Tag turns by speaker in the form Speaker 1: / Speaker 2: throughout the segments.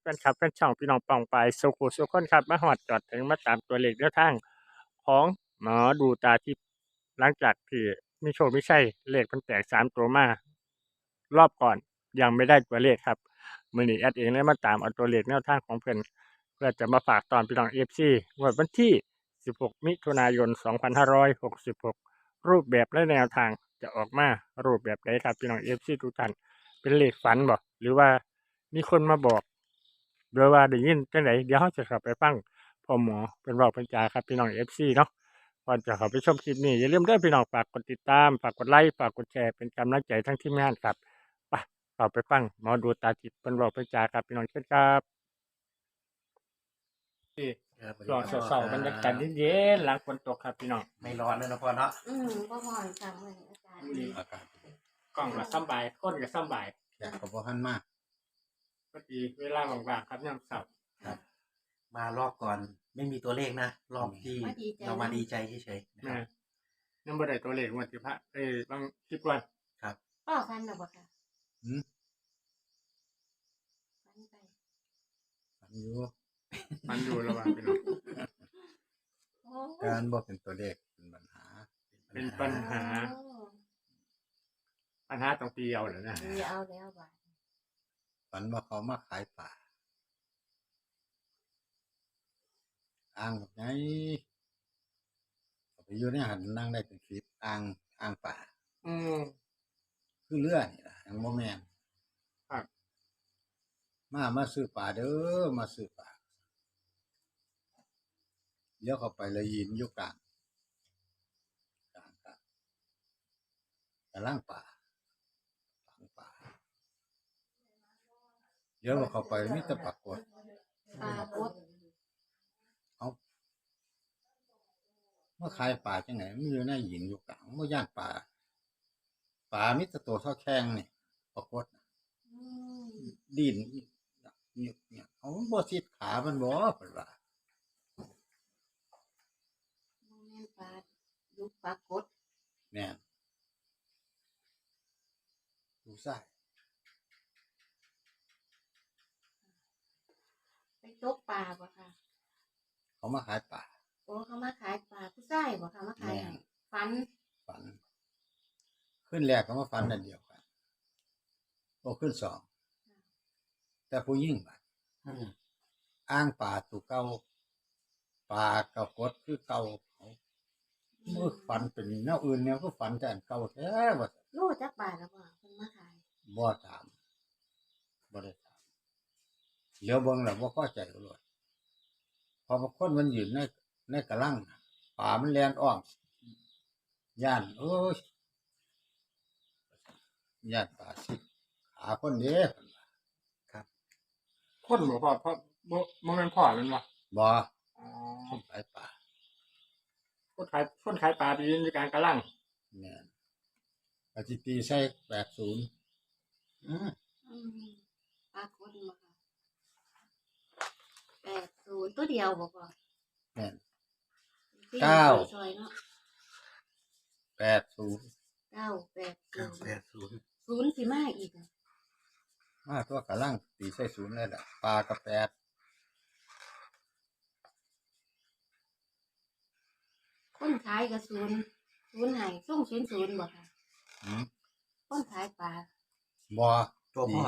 Speaker 1: แฟนคลับแฟนช่องพี่น้องปองไปสุขุสุขคนครับมาฮอดจอดถึงมาตามตัวเลขแนวทางของหมอดูตาทิพย์หลังจากที่มีโชคมีชัยเลขเพิ่นแตก3ตัวมารอบก่อนยังไม่ได้ตัวเลขครับมื้อนี้แอดเองเลยมาตามเอาตัวเลขแนวทางของเพิ่นเพื่อจะมาฝากตอนพี่น้อง FC งวดวันที่16มิถุนายน2566รูปแบบและแนวทางจะออกมารูปแบบใดครับพี่น้อง FC ทุกท่านเป็นเลขฝันบ่หรือว่ามีคนมาบอกหรือว่าได้ยินจังไดเดี๋ยวเราจะเข้าไปฟังพ่อหมอเพิ่นเว้าเพิ่นจาครับพี่น้อง FC เนาะก่อนจะเข้าไปชมคลิปนี้อย่าลืมเด้อพี่น้องฝากกดติดตามฝากกดไลค์ฝากกดแชร์เป็นกำลังใจทั้งทีมงานครับไปเข้าไปฟังหมอดูตาทิพย์เพิ่นเว้าเพิ่นจาครับพี่น้องเชิญครับ
Speaker 2: ครับสวัสดี
Speaker 1: รอ
Speaker 2: ครับ
Speaker 1: เช้าๆบรรยากาศเย็นๆหลังฝนตกครับพี่น้อง
Speaker 2: ไม่ร้อนเลยนะพ่อเนาะ
Speaker 3: บ่พอนค่ะมื้อนี้อากาศดี
Speaker 2: อากาศ
Speaker 1: กล้องก็สำบายคนก็สำบาย
Speaker 2: แดดก็บ่ทันมาก
Speaker 1: พอดีเวลาว่างๆครับยามเช้า
Speaker 2: ครับ มารอบก่อนไม่มีตัวเลขนะ รอบที่เรามาดีใจเฉยๆนะค
Speaker 1: แม่
Speaker 2: รับ
Speaker 1: ยังบ่ได้ตัวเลขงวดที่พระบางคลิปวัน
Speaker 2: ครับ
Speaker 3: พ่อฟันแล้วบ่ค่ะ
Speaker 2: หืม
Speaker 3: ฟันไป
Speaker 2: ฝันอยู่
Speaker 1: มันอยู่ระหว่างพี่น้อง
Speaker 3: โอ้
Speaker 2: การบ่เป็นตัวเลขเป็นปัญหา
Speaker 1: เป็นปัญหา ปัญหาต้องตีเอาเหรอนะ
Speaker 3: ดีเอาแล้วบาด
Speaker 2: ฝันว่าเขามาขายป่าอ่างแบบไงเอาไปอยู่ในหันนั่งได้เป็นสิบอ่างป่า
Speaker 1: อืม
Speaker 2: คือเรือนี่ล่ะยังบ่แม่น
Speaker 1: ครับ
Speaker 2: มาซื้อป่าเด้อมาซื้อป่าเลี้ยวเข้าไปเลยยืนอยู่กลางกลางป่าเดี๋ยวเข้าไปมีแต่ปรากฏ
Speaker 3: ปลากด
Speaker 2: เอาเมื่อขายป่าจังไหนมันอยู่ในหินอยู่กลางเมื่ย่านป่ามิตรตัวเท่าแข้งนี่ปรากฏ
Speaker 3: อืม
Speaker 2: ดินเนี่ยเอามันบ่สิดขามันบ่เพิ่นว่า
Speaker 3: บ่แม่นปลาลูกปลากด
Speaker 2: แม่นดูซ้าย
Speaker 3: ไปตกปลาบ่ค่ะ
Speaker 2: เขามาขายป่า
Speaker 3: โอ้เขามาขายปลาผู้ชายบ่ค่ะมาขายให้ฟัน
Speaker 2: ฝันขึ้นแรกก็มาฝันนั่นเดียวกันโอ้ขึ้นสองแต่ผู้ยิ่งบัดอ้างป่าตัวเก่าป่ากับกดคือเก่าเขาเมื่อฝันเป็นแนวอื่นแนวก็ฝันแต่อันเก่าแท้ว่า
Speaker 3: โลจักบาทแล้วบ่เพิ่นมาขาย
Speaker 2: บ่ถามบ่ได้ถามเหลียวเบิ่งแล้วบ่พอใจก็เลยพอบางคนมันยืนในกะลังน่ะป่ามันแล่นอ้อมย่านโอ้ยย่านป่าสิขาคนเด้เพิ่นว่าครับ
Speaker 1: คนบ่พอเพราะบ่แม่นพ่อแม่นบ่
Speaker 2: บ่
Speaker 1: อ๋อ
Speaker 2: คนขายป่า
Speaker 1: คนขายปลาไปยืนในกลางกะลัง
Speaker 2: แม่นก็สิตีใส่80
Speaker 3: อืมปลากดบ่ค่ะ80ตัวเดียวบ่พ่อ
Speaker 2: แม่น
Speaker 3: สี่
Speaker 2: เก้า
Speaker 3: ซอยเนาะ
Speaker 2: 80
Speaker 3: 980 ศูนย์สิมาอีกอะ
Speaker 2: มาตัวกะลังตีใส่0เลยล่ะปลากับ8
Speaker 3: คนขายก็ศูนย์ให้ส่ง00บ่ค่ะ
Speaker 2: หืม
Speaker 3: คนขายปลา
Speaker 2: บ่ตัวบ่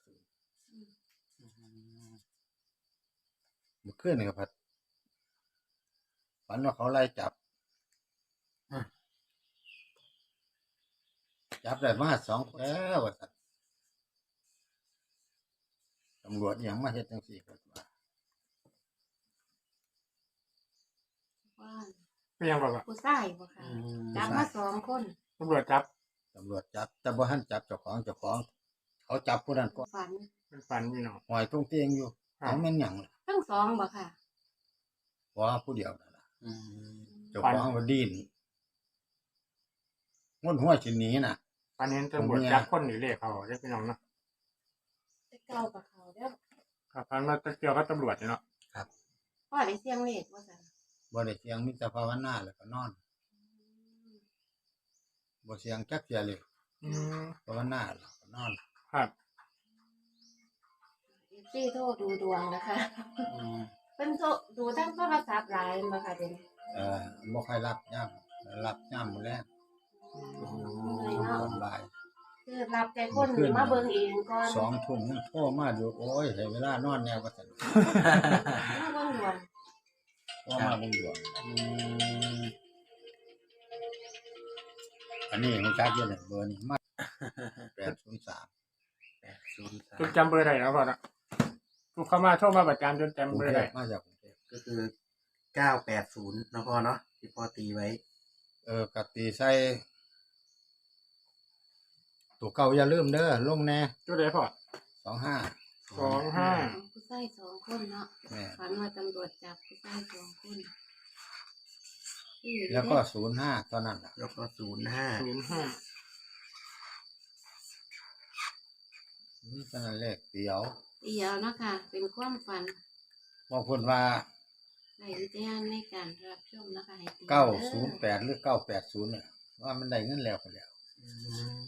Speaker 2: เมื่อคืนนี่ก็พัดฝันว่าเขาไล่จับได้มา2แล้วว่าซั่นตำรวจอิหยังมาเฮ็ดจังซี่เพิ่นว่า
Speaker 3: ว่า
Speaker 1: เป็นยังบ่ว่า
Speaker 3: ผู้ชายบ่ค่ะจับมา2คน
Speaker 1: ตำรวจจับ
Speaker 2: ตำรวจจับแต่บ่ทันจับเจ้าของเขาจับผู้นั้นก็
Speaker 3: ฝัน
Speaker 1: เป็นฝันพี่น้อง
Speaker 2: หอยตรงเตียงอยู่
Speaker 1: ครับ
Speaker 2: เอาแม่นหยังล่ะ
Speaker 3: ทั้งสองบ่ค่ะ
Speaker 2: ว่าผู้เดียวนั่นล่ะเจ้าของบ่ดิ้นงนหัวสิหนีน่ะ
Speaker 1: ฝันเห็นตำรวจจับคนนี่เลขเขาเด้อพี่น้องเนาะ
Speaker 3: ไปเก่ากับเขาเด้อ
Speaker 1: ครับฝันว่าเกี่ยวกับตำรวจนี่เนาะ
Speaker 3: พ่อได้เสียงเลขว่าซั่น
Speaker 2: บ่ได้เสียงมีแต่ภาวนาแล้วก็นอนบ่เสียงจักเสียเลย
Speaker 1: อืม
Speaker 2: ภาวนาแล้วก็นอน
Speaker 1: ครับ
Speaker 3: FC ซี่โทรดูดวงนะคะ
Speaker 4: อืม
Speaker 3: เป็นโทรดูทั้งโทรศัพท์หลายมาค่ะเดี๋ยวนี้
Speaker 2: บ่ค่อยรับย่ำมื้อแรก
Speaker 3: เหนื่อยเนาะ
Speaker 2: ตอนบ่าย
Speaker 3: คือรับใจคนหรือมาเบิ่งเองก่อน
Speaker 2: 2 ทุ่มยังโทรมาอยู่โอ้ยให้เวลานอนแนวว่าซั่น
Speaker 3: มาเบิ่งดวง
Speaker 2: โทรมาเบิ่งดวง
Speaker 4: อืม
Speaker 2: อันนี้รู้จักอยู่เนี่ยเบอร์นี้มา803
Speaker 4: 803
Speaker 1: จนจำเบอร์ได้แล้วพ่อเนาะทุกเข้ามาโทรมาประจำจนจำ
Speaker 2: กรุ
Speaker 1: เบ
Speaker 2: ง
Speaker 1: อร์
Speaker 2: เท
Speaker 1: ได้
Speaker 2: พมาจากกรุงเทพ
Speaker 4: ก็คือ980เนาะพ่อเนาะที่พ่อตีไว้
Speaker 2: กตีใส่ตัวเก่าอย่าลืมเด้อลงแน่
Speaker 1: จุดใดพ่อ
Speaker 2: 25
Speaker 1: 25
Speaker 3: ผู้ชาย2 คนเนาะ
Speaker 2: แม่
Speaker 3: ฝันว่าตำรวจจับผู้ชาย2 คน
Speaker 2: แล้วก็05ตอนนั้นน่ะ
Speaker 4: แล้วก็05
Speaker 1: 05
Speaker 2: นี่ตอนนั้นเลขเดียว
Speaker 3: เดียวเนาะค่ะ เป็นความฝัน
Speaker 2: บอกเพิ่นว่า
Speaker 3: ใส่วิจารณ์ในการรับชมนะคะให้ตี
Speaker 2: 908หรือ980เนี่ยว่ามันได้เงินแล้วพุ่นแล้ว
Speaker 4: อืม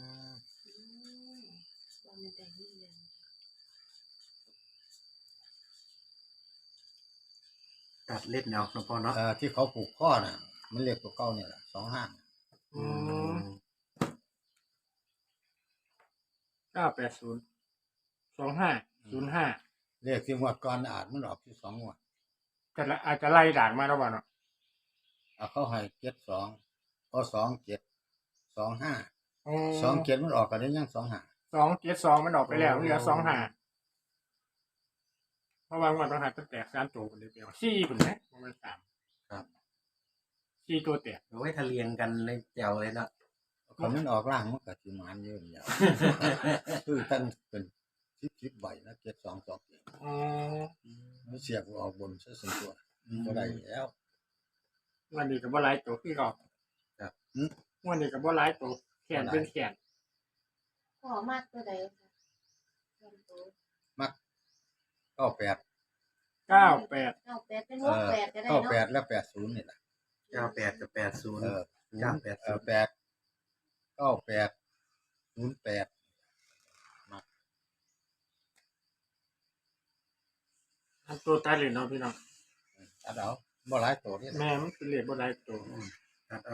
Speaker 3: ว่ามันได้เงินเดือน
Speaker 4: ตัดเล่นเอาเนาะพ่อเนาะ
Speaker 2: ที่เขาผูกข้อน่ะ มันเลขตัวเก่าเนี่ยแหละ25
Speaker 1: อืม980 25 05
Speaker 2: เลขที่งวดก่อนอาจมันออกที่2งวด
Speaker 1: แต่ละอาจจะไล่ด่างมาแล้วบ่เนาะ
Speaker 2: เขาให้72ก็27 25
Speaker 1: อ๋อ
Speaker 2: 27มันออกก็ได้ยัง25
Speaker 1: 272มันออกไปแล้วเหลือ25เพราะว่างวดต้องหาตั้งแต่3ตัวคนเดียว4พุ่นนะบ่แม่น3
Speaker 4: ครับ
Speaker 1: 4ตัวแตก
Speaker 4: เอาไว้ทะเลียงกันในแจวเลยเนาะ
Speaker 2: คันมันออกล่างมันก็สิหมานเยอะแล้ว คือตั้งเป็น10ใบนะ7227
Speaker 1: อ๋อ
Speaker 2: มันเสียบออกบนซะส่วนตัวบ่ได้แล้ว
Speaker 1: วันนี้ก็บ่หลายตัวคือเก่า
Speaker 4: ครับ
Speaker 1: วันนี้ก็บ่หลายตัวแขนเป็นแขน
Speaker 3: พ่อมากตัวใดค่ะเพิ่นโต
Speaker 2: มัก98
Speaker 1: 98
Speaker 3: 98เป็น68ก็ได้เนาะ
Speaker 2: 98และ80นี่ล่ะ
Speaker 4: 98กับ80
Speaker 2: เออ
Speaker 4: 980
Speaker 2: 8 98 08
Speaker 1: อันตัวตายเลยเนาะพี่น้อง
Speaker 2: ตัดเอาบ่หลายตัวนี่
Speaker 1: แม่มันคือเลขบ่หลายตัว
Speaker 4: ตัดเอา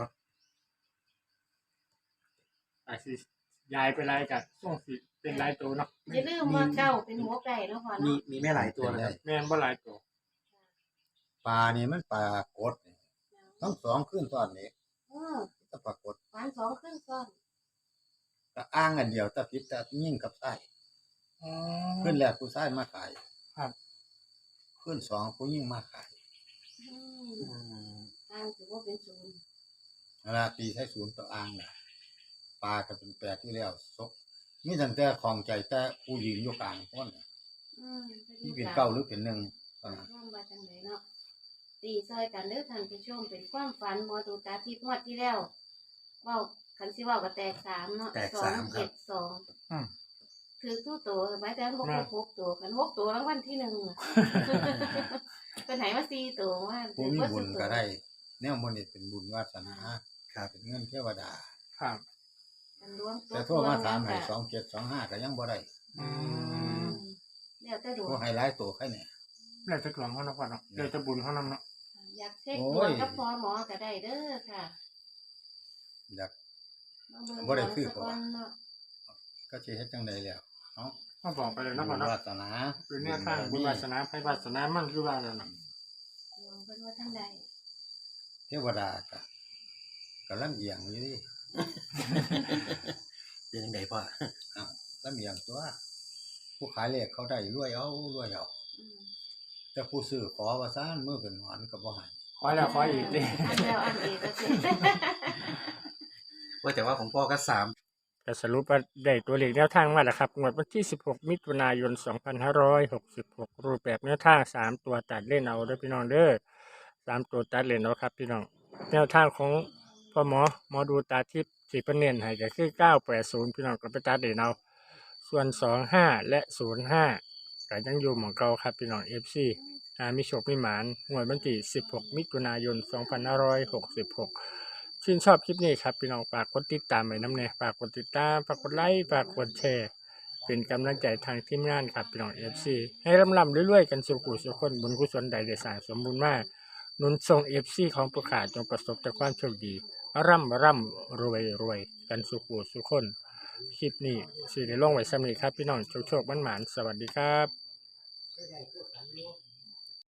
Speaker 1: อาจสิย้ายไปหลายก็ส่งสิเป็นหลายตัวเนาะ
Speaker 3: อย่าลืมว่าเก้าเป็นหัวไก่เนาะพ่อ
Speaker 4: มี
Speaker 3: เนาะ
Speaker 4: มีไม่หลายตัวนะครับ
Speaker 1: แม่นบ่หลายตัว
Speaker 2: ปลานี่มันปลากดนี่ทั้งสองขึ้นตอนนี้ ถ้าปรากฏ
Speaker 3: ฝัน2ขึ้นซ้อน
Speaker 2: ก็อ้างอันเดียวแต่ผิดแต่ยิ่งกับไส้
Speaker 1: อ๋อ
Speaker 2: ขึ้นแรกผู้ชายมาขาย
Speaker 1: ครับ
Speaker 2: ขึ้นสองผู้ยิ่งมาขาย
Speaker 3: อืม
Speaker 4: อืม
Speaker 3: อ้างถือว่าเป็นศูนย์
Speaker 2: เวลาตีใช้ศูนย์ต่ออ้างน่ะปลาก็เป็นแปดที่แล้วซกมีตั้งแต่ของใจแต่ผู้ยืนอยู่กลางคนน่ะ ที่เป็นเก้าหรือเป็นหนึ่งตอนนั้น
Speaker 3: ร่วมมาจังไหนเนาะตีซอยกันเด้อท่านผู้ชมเป็นความฝันหมอดูตาทิพย์งวดที่แล้วเว้าคันสิเว้าก็แตก3เนาะ
Speaker 4: แตก3ครับ
Speaker 3: 272
Speaker 1: อืม
Speaker 3: คือตู้โตไว้แต่มันบ่ครบ6ตัวกัน6ตัวรางวัลที่1อะ เป็นไหนมา4ตัวว่า
Speaker 2: ผู้มีบุญก็ได้แนวมันนี่เป็นบุญวาสนา
Speaker 4: ครับ
Speaker 2: เป็นเงินเทวดา
Speaker 1: ครับ
Speaker 3: กันรวมตัว
Speaker 2: แต่โทรมาถามให้2725ก็ยังบ่ได้
Speaker 1: อืม
Speaker 3: เดี๋ยวแต่ดวง
Speaker 2: ผู้ให้หลายตัวแค่นี้
Speaker 1: แล้วจะหลวงเขาเนาะพ่อเนาะเดี๋ยวจะบุญเขานำเนาะ
Speaker 3: อยากเช็ค
Speaker 2: โอ้
Speaker 3: ดวย งกับพ่อหมอก็ได้เด้อค่ะ
Speaker 2: อยาก
Speaker 3: มาเบิ่ง
Speaker 2: บ่ได้คือ
Speaker 3: ดวงสักวันเนาะ
Speaker 2: ก็สิเฮ็ดจังไดแล้วเนาะ
Speaker 1: พ่อบอกไปเลยเนาะพ่อ
Speaker 2: บุญ
Speaker 1: เนาะ
Speaker 2: วาสนา
Speaker 1: คือเนี่ยทางบุญวาสนาไผวาสนามันคือว่าแล้วเนาะ
Speaker 3: ดวงเพิ่นว่าทั้งใด
Speaker 2: เทวดาก็ลำเอียงอยู่ดิ
Speaker 4: เป็นยังไงพ่อ
Speaker 2: ลำเอียงตัว ผู้ขายเลขเขาได้รวยเอา
Speaker 3: อืม
Speaker 2: แต่ผู้ซื้อขอว่าซ่านมือเป็นหอนก็บ่ให้
Speaker 1: ขอแล้วขออีกดิ
Speaker 3: อันแล้วอันอีกก็สิ
Speaker 4: ว่าแต่ว่าของพ่อก็3
Speaker 1: ก็สรุปว่าได้ตัวเลขแนวทางมาแล้วครับงวดวันที่16มิถุนายน2566รูปแบบแนวทาง3ตัวตัดเล่นเอาเด้อพี่น้องเด้อ3ตัวตัดเล่นเอาครับพี่น้องแนวทางของพ่อหมอดูตาทิพย์สิเพิ่นเน้นให้ก็คือ980พี่น้องก็ไปตัดเล่นเอาส่วน25และ05ก็ยังอยู่หม่องเก่าครับพี่น้อง FC มีโชคมีหมานงวดวันที่16มิถุนายน2566ชื่นชอบคลิปนี้ครับพี่น้องฝากกดติดตามไว้น้ำแน่ฝากกดติดตามฝากกดไลค์ฝากกดแชร์เป็นกำลังใจทางทีมงานครับพี่น้อง FC ให้ร่ำๆรวยๆกันสุขุสุขคนบุญกุศลใดได้สร้างสมบูรณ์มาหนุนส่ง FC ของผู้ขาจงประสบแต่ความโชคดีร่ำรวยกันสุขุสุขคนคลิปนี้สิได้ลงไว้สำนี้ครับพี่น้องโชคๆมันหมานๆสวัสดีครับ